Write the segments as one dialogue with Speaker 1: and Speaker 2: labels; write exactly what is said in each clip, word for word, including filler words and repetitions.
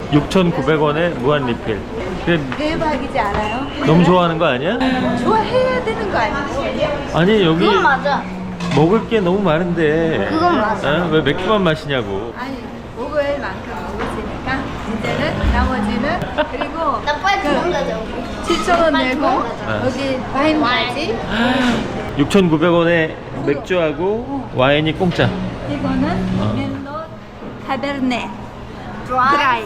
Speaker 1: 육천구백 원에 무한 리필. 그래,
Speaker 2: 대박이지 않아요?
Speaker 1: 너무 좋아하는 거 아니야?
Speaker 2: 좋아해야 되는 거 아니에요?
Speaker 1: 아니 여기
Speaker 3: 그건 맞아.
Speaker 1: 먹을 게 너무 많은데
Speaker 3: 그건 맞아.
Speaker 1: 어? 왜 맥주만 마시냐고.
Speaker 2: 아니 먹을 만큼 먹었으니까 이제는 나머지는 그리고
Speaker 3: 나 빨리 도망가자. 우리.
Speaker 2: 칠천 원 내고
Speaker 1: 네.
Speaker 2: 여기 와인까지.
Speaker 1: 육천구백 원에 맥주하고 와인이 공짜.
Speaker 2: 이거는
Speaker 1: 어.
Speaker 2: 멜로 타베르네
Speaker 3: 드라이.
Speaker 2: 드라이.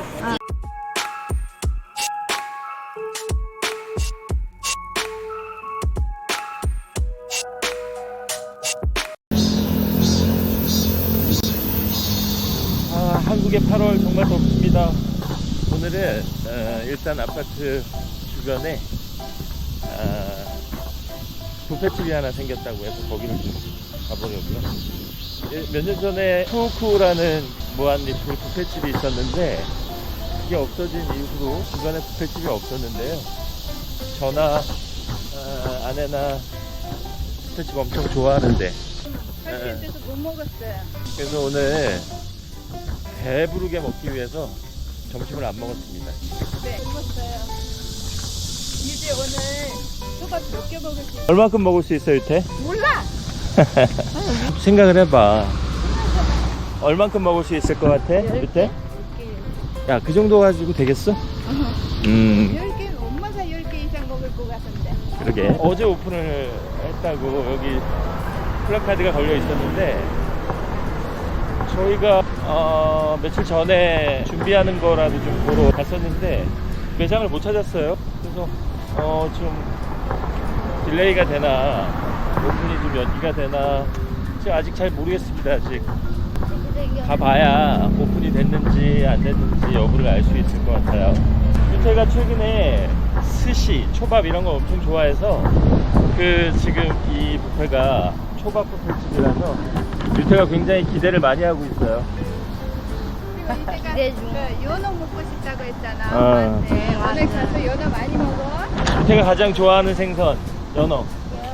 Speaker 1: 아, 한국의 팔월 정말 덥습니다. 오늘은 어, 일단 아파트 주변에 아, 뷔페집이 하나 생겼다고 해서 거기를 좀 가보려고요. 몇 년 전에 쿠쿠라는 무한리필 뷔페집이 있었는데 그게 없어진 이후로 주변에 뷔페집이 없었는데요. 저나 아, 아내나 뷔페집 엄청 좋아하는데
Speaker 2: 사실 그래서 못 먹었어요.
Speaker 1: 그래서 오늘 배부르게 먹기 위해서 점심을 안 먹었습니다.
Speaker 2: 네, 먹었어요. 이제 오늘 초밥 몇 개 먹을 수 있어요?
Speaker 1: 얼마큼 먹을 수 있어, 유태?
Speaker 2: 몰라.
Speaker 1: 생각을 해봐. 얼만큼 먹을 수 있을 것 같아, 유태? 야, 그 정도 가지고 되겠어? 음,
Speaker 2: 열 개, 엄마가 열 개 이상 먹을 것 같은데.
Speaker 1: 그러게. 어제 오픈을 했다고 여기 플래카드가 걸려 있었는데 저희가 어, 며칠 전에 준비하는 거라도 좀 보러 갔었는데 매장을 못 찾았어요. 그래서 어, 좀 딜레이가 되나 오픈이 좀 연기가 되나 제가 아직 잘 모르겠습니다. 아직 가봐야 오픈이 됐는지 안 됐는지 여부를 알 수 있을 것 같아요. 유태가 최근에 스시, 초밥 이런 거 엄청 좋아해서 그 지금 이 뷔페가 초밥 뷔페집이라서 유태가 굉장히 기대를 많이 하고 있어요.
Speaker 2: 기대 중. 그 연어 먹고 싶다고 했잖아.
Speaker 1: 아.
Speaker 2: 엄마한테. 오늘 가서 연어 많이 먹어.
Speaker 1: 유태가 가장 좋아하는 생선 연어.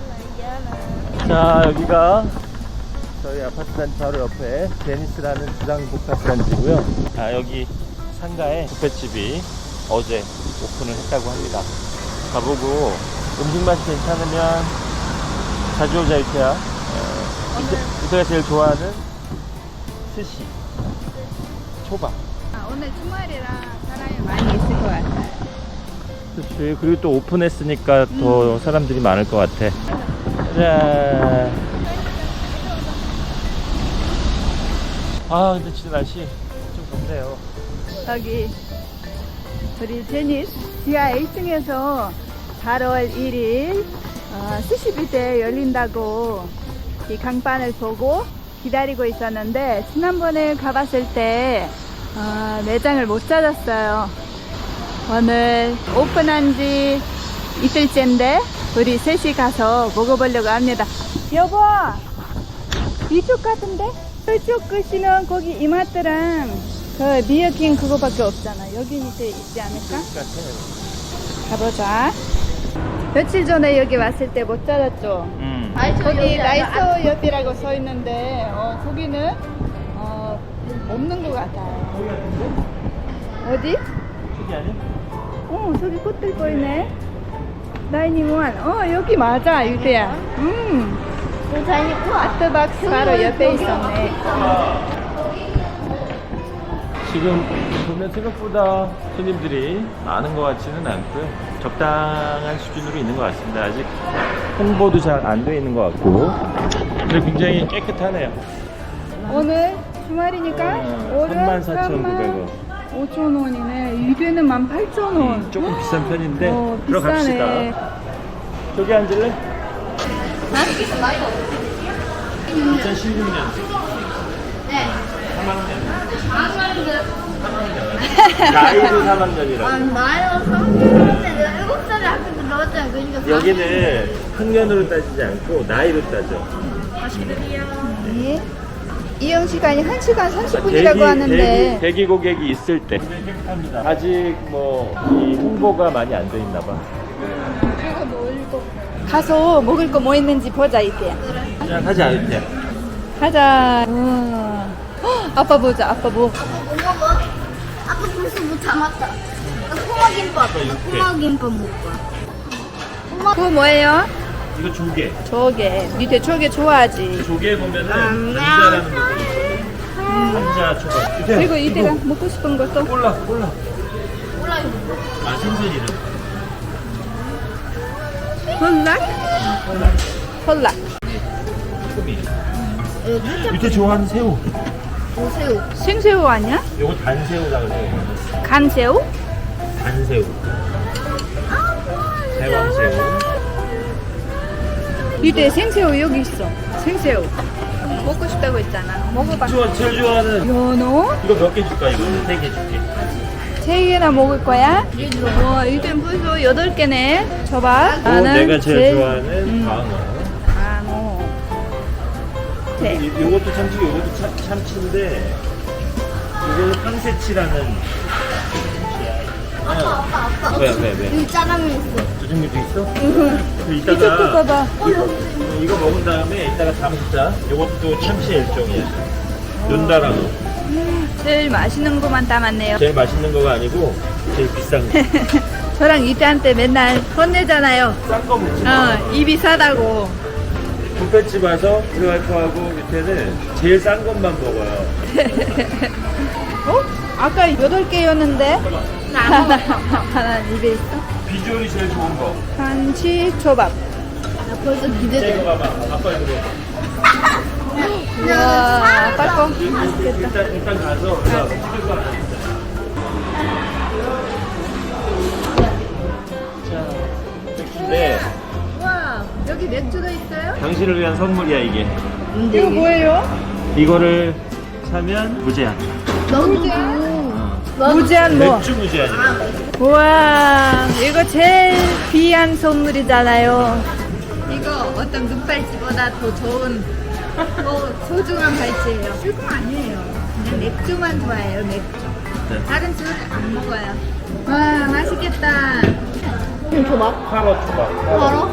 Speaker 1: 자, 여기가 저희 아파트 단지 바로 옆에 데니스라는 주상복합 단지고요. 아, 여기 상가에 뷔페집이 어제 오픈을 했다고 합니다. 가보고 음식 맛이 괜찮으면 자주 오자 유태야. 어, 유태- 유태가 제일 좋아하는 스시, 초밥.
Speaker 2: 아, 오늘 주말이라 사람이 많이 있을 것 같아요.
Speaker 1: 그렇지. 그리고 또 오픈했으니까 더 사람들이 많을 것 같아. 자. 아, 근데 진짜 날씨 좀 덥네요.
Speaker 2: 여기 우리 제니스 지하 일 층에서 팔월 일일 어, 스시 뷔페 열린다고 이 강판을 보고 기다리고 있었는데 지난번에 가봤을 때 어, 매장을 못 찾았어요. 오늘 오픈한 지 이틀째인데 우리 셋이 가서 먹어보려고 합니다. 여보, 이쪽 같은데? 이쪽 끝이면 거기 이마트랑 그 미어킹 그거밖에 없잖아. 여기 밑에 있지 않을까? 가보자. 며칠 전에 여기 왔을 때 못 찾았죠?
Speaker 1: 음.
Speaker 2: 거기 라이서 옆이라고 써 있는데 어, 거기는 어, 없는 것 같아요. 어디?
Speaker 1: 저기 아니야?
Speaker 2: 어, 저기 꽃들 보이네. 나인이원. 어, 여기 맞아, 유태야. 음, 아트박스 바로 옆에 있었네.
Speaker 1: 지금 보면 생각보다 손님들이 많은 것 같지는 않고요. 적당한 수준으로 있는 것 같습니다. 아직 홍보도 잘 안 돼 있는 것 같고. 그리고 굉장히 깨끗하네요.
Speaker 2: 오늘 주말이니까
Speaker 1: 어,
Speaker 2: 오늘
Speaker 1: 삼만 사천구백 원.
Speaker 2: 오천 원이네. 이게는 만 팔천 원.
Speaker 1: 음, 조금 비싼 편인데
Speaker 2: 어,
Speaker 1: 들어갑시다.
Speaker 2: 비싸네.
Speaker 1: 저기 앉을래? 이천십육 년
Speaker 3: 네.
Speaker 1: 삼 학년. 나이도 삼 학년이라고.
Speaker 3: 아, 나요? 삼년인데 내가 일곱 살에 학교 나왔잖아. 그러니까
Speaker 1: 여기는 학년으로 따지지 않고 나이로 따져.
Speaker 2: 네. 이용 시간이 한 시간 삼십 분이라고 하는데
Speaker 1: 대기, 대기 고객이 있을 때. 아직 뭐 이 홍보가 많이 안 돼 있나 봐.
Speaker 2: 가서 먹을 거 뭐 있는지 보자 이때.
Speaker 1: 자, 가지 않을 때.
Speaker 2: 가자. 우와. 헉, 아빠 보자. 아빠 뭐?
Speaker 3: 엄마 뭐? 아까 벌써 못 참았다. 나 꼬마김밥. 나 꼬마김밥 먹을 거야. 꼬마.
Speaker 2: 그거 뭐예요?
Speaker 1: 이거 조개.
Speaker 2: 조개. 밑에 조개 좋아하지.
Speaker 1: 조개 보면은
Speaker 3: 음.
Speaker 1: 감자라는 부분이 있거든. 감자 초밥.
Speaker 2: 그리고 이때가 먹고 싶은 것도.
Speaker 1: 꼴라 꼴라.
Speaker 3: 몰라 이거.
Speaker 1: 아 생선 이름.
Speaker 2: 헐락? 헐락.
Speaker 1: 소미.
Speaker 3: 여기
Speaker 1: 밑에 좋아하는 새우.
Speaker 3: 보세요.
Speaker 2: 생새우 아니야?
Speaker 1: 요거 단새우라 그래요.
Speaker 2: 간새우?
Speaker 1: 단새우. 대왕새우.
Speaker 2: 밑에 생새우 여기 있어. 생새우. 먹고 싶다고 했잖아. 먹어봐.
Speaker 1: 좋아, 제일 좋아하는
Speaker 2: 연어?
Speaker 1: 이거 몇 개 줄까 이거? 세 개 줄게.
Speaker 2: 세 개나 먹을 거야? 와, 이땐 벌써 여덟 개네. 줘봐.
Speaker 1: 오, 내가 제일 좋아하는
Speaker 2: 음,
Speaker 1: 광어.
Speaker 2: 광어. 네.
Speaker 1: 이, 요것도 참치, 요것도 참, 참치인데 이거는 황새치라는 참치야.
Speaker 3: 아빠 아빠 아빠.
Speaker 1: 왜, 왜, 왜?
Speaker 3: 여기 짜장면 있어.
Speaker 1: 조정미도 있어? 그
Speaker 2: 이쪽도
Speaker 1: 이따가
Speaker 2: 봐봐.
Speaker 1: 이거, 이거 먹은 다음에 이따가 다 먹자. 요것도 참치의 일종이야. 눈다랑어.
Speaker 2: 제일 맛있는 것만 담았네요.
Speaker 1: 제일 맛있는 거가 아니고 제일 비싼 거.
Speaker 2: 저랑 이태한테 맨날 혼내잖아요.
Speaker 1: 싼 거 먹지 마.
Speaker 2: 어, 입이 싸다고.
Speaker 1: 뷔페집 와서 우리 와이프하고 밑에는 제일 싼 것만 먹어요.
Speaker 2: 어? 아까 여덟 개였는데? 하나, 하나 입에 있어?
Speaker 1: 비주얼이 제일 좋은 거.
Speaker 2: 한치 초밥.
Speaker 3: 나 벌써
Speaker 1: 이거
Speaker 3: 기대돼.
Speaker 1: 봐봐. 아빠 이거.
Speaker 2: 우와, 아빠 거.
Speaker 1: 일단 일단 가서 우리가 찍을 거 하나 있자. 자, 맥주인데
Speaker 2: 와, 여기 맥주도 있어요?
Speaker 1: 당신을 위한 선물이야 이게.
Speaker 2: 이거 뭐예요?
Speaker 1: 이거를 사면 무제한.
Speaker 3: 너도
Speaker 2: 무제한 뭐?
Speaker 1: 맥주 무제한이야.
Speaker 2: 우와, 이거 제일 귀한 선물이잖아요. 이거 어떤 눈발찌보다 더 좋은, 더 소중한 발찌예요. 술거 아니에요. 그냥 맥주만 좋아해요, 맥주.
Speaker 1: 네.
Speaker 2: 다른 술 안 먹어요. 와, 맛있겠다.
Speaker 3: 응, 줘봐.
Speaker 1: 카로 초밥.
Speaker 3: 알아?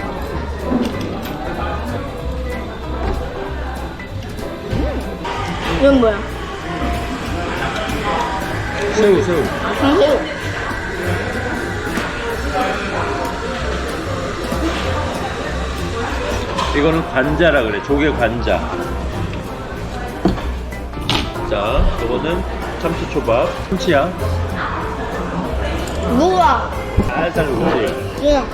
Speaker 3: 이건 뭐야?
Speaker 1: 새우 새우.
Speaker 3: 장새우.
Speaker 1: 이거는 관자라 그래. 조개 관자. 자, 이거는 참치 초밥. 참치야.
Speaker 3: 누가?
Speaker 1: 살살 녹지.
Speaker 3: 응.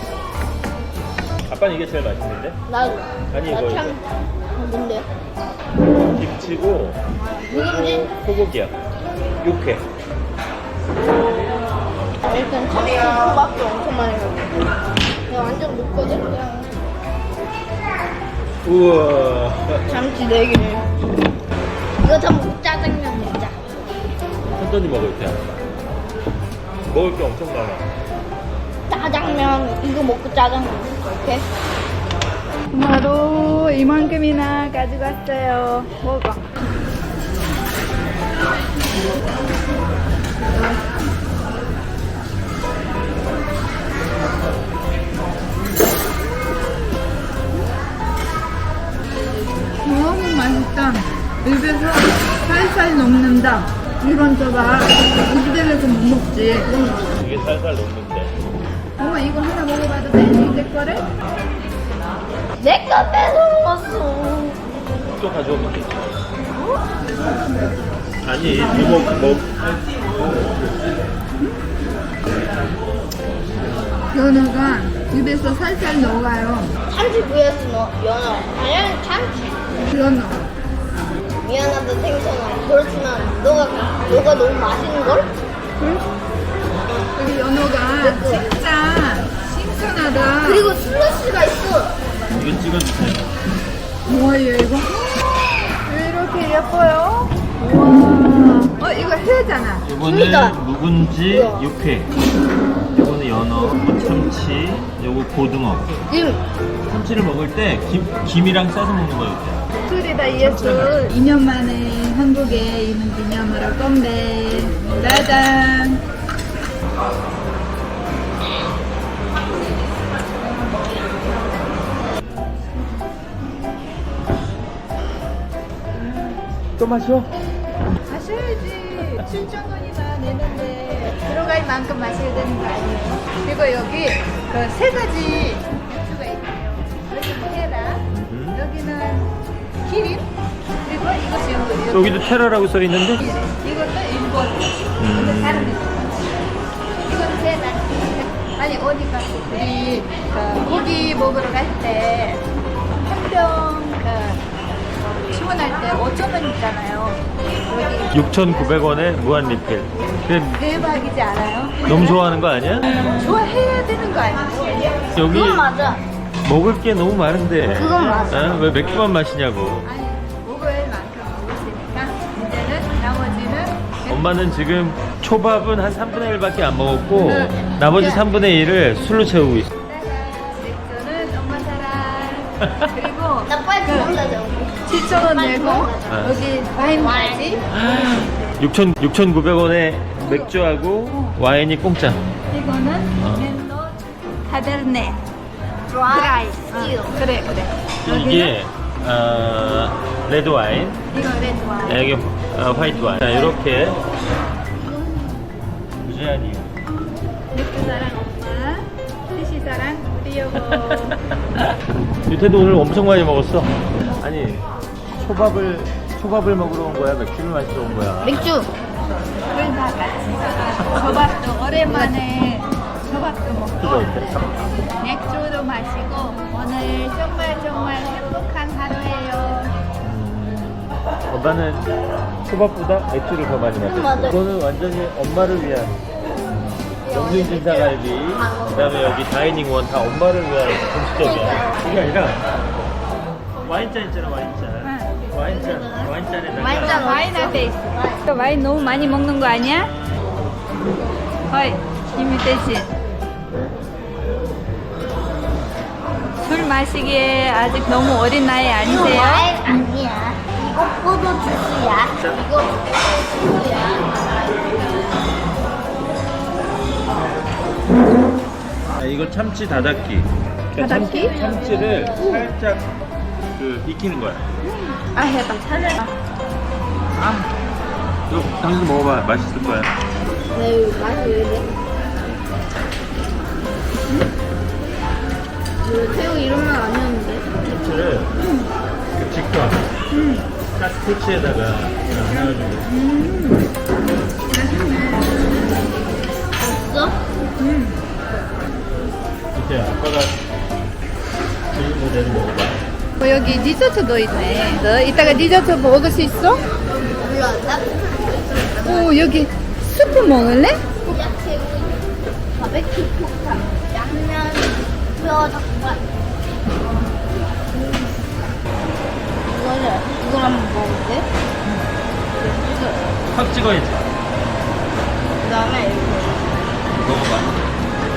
Speaker 1: 아빠는 이게 제일 맛있는데?
Speaker 3: 나도.
Speaker 1: 아니,
Speaker 3: 나
Speaker 1: 이거,
Speaker 3: 참. 뭔데?
Speaker 1: 김치고
Speaker 3: 누군지?
Speaker 1: 소고기야. 육회.
Speaker 3: 일단 참치 초밥도 엄청 많이 먹어. 내가 완전 먹거든. 그냥
Speaker 1: 우와.
Speaker 3: 참치 네 개를. 이거 다 먹고 짜장면 먹자.
Speaker 1: 천천히 먹을 때. 먹을 게 엄청 많아.
Speaker 3: 짜장면 이거 먹고 짜장면 이렇게.
Speaker 2: 바로 이만큼이나 가져갔어요. 먹어. 너무 맛있다. 입에서 살살 녹는다. 이런 저가 우리들에서 못 먹지.
Speaker 1: 이게 살살 녹는데.
Speaker 2: 엄마 이거 하나 먹어봐도 돼? 내 거를?
Speaker 3: 내거 뺏어 먹었어.
Speaker 1: 또 가져오면 되지. 아니, 이거 뭐,
Speaker 2: 연어가 입에서 살살 녹아요.
Speaker 3: 참치 vs 너 연어. 아니야 참치.
Speaker 2: 연어.
Speaker 3: 미안하다 생선아. 그렇지만 너가 너가 너무 맛있는 걸?
Speaker 2: 응? 여기 연어가 진짜 신선하다.
Speaker 3: 그리고 슬러시가 있어.
Speaker 1: 이거 찍어주세요.
Speaker 2: 뭐예요 이거? 왜 이렇게 예뻐요? 우와. 어 이거 회잖아.
Speaker 1: 이거는
Speaker 3: 진짜.
Speaker 1: 묵은지
Speaker 3: 우와.
Speaker 1: 육회. 이거는 연어, 무참치, 요거 고등어.
Speaker 3: 지금
Speaker 1: 참치를 먹을 때 김, 김이랑 싸서 먹는 거예요.
Speaker 2: 술이다 예술. 이 년 만에 한국에 있는 기념으로 건배. 짜잔.
Speaker 1: 또 마셔?
Speaker 2: 마셔야지. 칠천 원이다. 내는데 들어갈 만큼 마셔야 되는 거 아니에요? 그리고 여기 그 세 가지 맥주가 있네요. 여기는 테라,
Speaker 1: 음.
Speaker 2: 여기는 기린, 그리고 이것이 연구예요.
Speaker 1: 여기도 테라라고 써 있는데?
Speaker 2: 이것도 일본. 근데 다른 맥주. 이건 테라. 아니 어디 가서 우리 그 고기 먹으러 갈 때 한병 그 주문할 때 오천 원 있잖아요. 여기
Speaker 1: 육천구백 원에 무한 리필. 그냥
Speaker 2: 대박이지 않아요?
Speaker 1: 너무 좋아하는 거 아니야?
Speaker 2: 좋아해야 되는 거 아니에요?
Speaker 1: 여기
Speaker 3: 그건 맞아.
Speaker 1: 먹을 게 너무 많은데.
Speaker 3: 그건 맞아.
Speaker 1: 어? 왜 맥주만 마시냐고.
Speaker 2: 아니 먹을 만큼 먹었으니까 이제는 나머지는
Speaker 1: 엄마는 지금 초밥은 한 삼분의 일밖에 안 먹었고
Speaker 2: 응.
Speaker 1: 나머지
Speaker 2: 네.
Speaker 1: 삼분의 일을 술로 채우고 있어.
Speaker 2: 맥주는 엄마 사랑. 그리고
Speaker 3: 나 빨리 들어가자.
Speaker 2: 칠천 원 내고 여기 와인까지.
Speaker 1: 육천, 육천구백 원에 맥주하고 와인이 공짜.
Speaker 2: 이거는
Speaker 1: 어.
Speaker 2: 멜로 카베르네
Speaker 3: 드라이.
Speaker 2: 드라이. 어, 그래 그래.
Speaker 1: 이게 어, 레드 와인,
Speaker 2: 이거 레드 와인.
Speaker 1: 여기 어, 화이트 와인. 자, 이렇게 무제한 이유.
Speaker 2: 맥주 사랑 엄마, 스시 사랑 우리 여보.
Speaker 1: 유태도 오늘 엄청 많이 먹었어. 아니 초밥을 초밥을 먹으러 온 거야? 맥주를 마시러 온 거야?
Speaker 3: 맥주.
Speaker 2: 둘 다 같이. 저밥도 오랜만에 저밥도
Speaker 1: 맥주가
Speaker 2: 먹고
Speaker 1: 있대.
Speaker 2: 맥주도 마시고 오늘 정말 정말 행복한 하루예요.
Speaker 1: 엄마는 초밥보다 맥주를 더 많이 마셨어.
Speaker 3: 맞아.
Speaker 1: 이거는 완전히 엄마를 위한 영준 진사갈비, 그다음에 여기 다이닝 원 다 엄마를 위한 음식점이야. 그게 아니라 와인잔 있잖아, 와인잔. 와인잔, 와인잔에
Speaker 3: 와인잔
Speaker 2: 와인 앞에 있어. 와인 너무 많이 먹는 거 아니야? 허이, 이미 대신. 술 마시기에 아직 너무 어린 나이
Speaker 3: 이거
Speaker 2: 아니세요?
Speaker 3: 와인 아니야. 이거 포도 주스야. 이거 주스야.
Speaker 1: 아, 이거 참치 다닫기. 그러니까
Speaker 2: 다닫기?
Speaker 1: 참치, 참치를 살짝 그 익히는 거야.
Speaker 2: 아, 해봐.
Speaker 1: 아, 이거 당신도 먹어봐. 맛있을 거야.
Speaker 3: 왜 맛이 왜 이래? 왜 새우 이런 말 아니었는데?
Speaker 1: 참치를 그 직접 카스테치에다가 해가지고.
Speaker 3: 없어?
Speaker 1: 이제 아빠가 제일 모델을 먹어봐.
Speaker 2: 어, 여기 디저트도 있네. 너 이따가 디저트 먹을 수 있어?
Speaker 3: 몰라. 나
Speaker 2: 오, 여기 스프 먹을래?
Speaker 3: 야채 바베큐 폭탄 양면 뼈 닭발. 이거를 이걸 한번 먹을게.
Speaker 1: 확 찍어야지.
Speaker 3: 그다음에 이거.
Speaker 1: 먹어봐.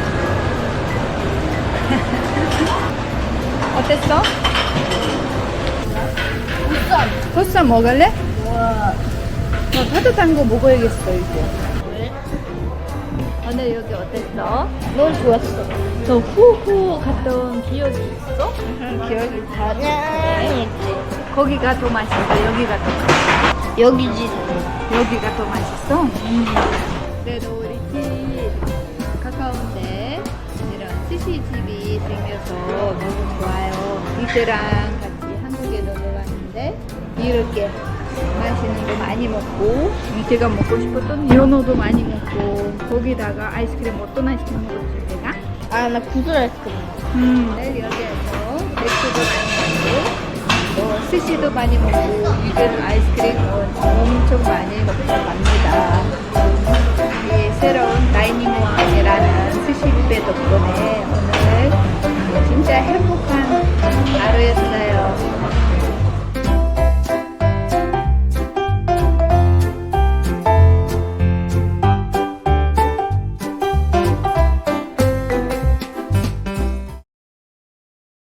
Speaker 2: 어땠어?
Speaker 3: 우선
Speaker 2: 보쌈 먹을래?
Speaker 3: 와.
Speaker 2: 어, 따뜻한 거 먹어야겠어, 이제.
Speaker 3: 왜?
Speaker 2: 오늘 여기 어땠어?
Speaker 3: 너무 좋았어.
Speaker 2: 너 후후 갔던 기억이 있어? 기억이 다
Speaker 3: 그냥 있지.
Speaker 2: 거기가 더 맛있어, 여기가 더 맛있어.
Speaker 3: 여기지.
Speaker 2: 여기가 더 맛있어? 음. 그래도 우리 집 가까운데 이런 스시집이 생겨서 너무 좋아요. 이들랑 같이 한국에 놀러 왔는데 이렇게 맛있는 거 많이 먹고 제가 먹고 싶었던 연어도 많이 먹고 거기다가 아이스크림 어떤 아이스크림 먹었지 제가?
Speaker 3: 아, 나 구슬 아이스크림.
Speaker 2: 음, 내일 여기에서 맥주도 많이 먹고 또 스시도 많이 먹고 이들 아이스크림 엄청 많이 먹고 갑니다. 이 새로운 다이닝 왕이라는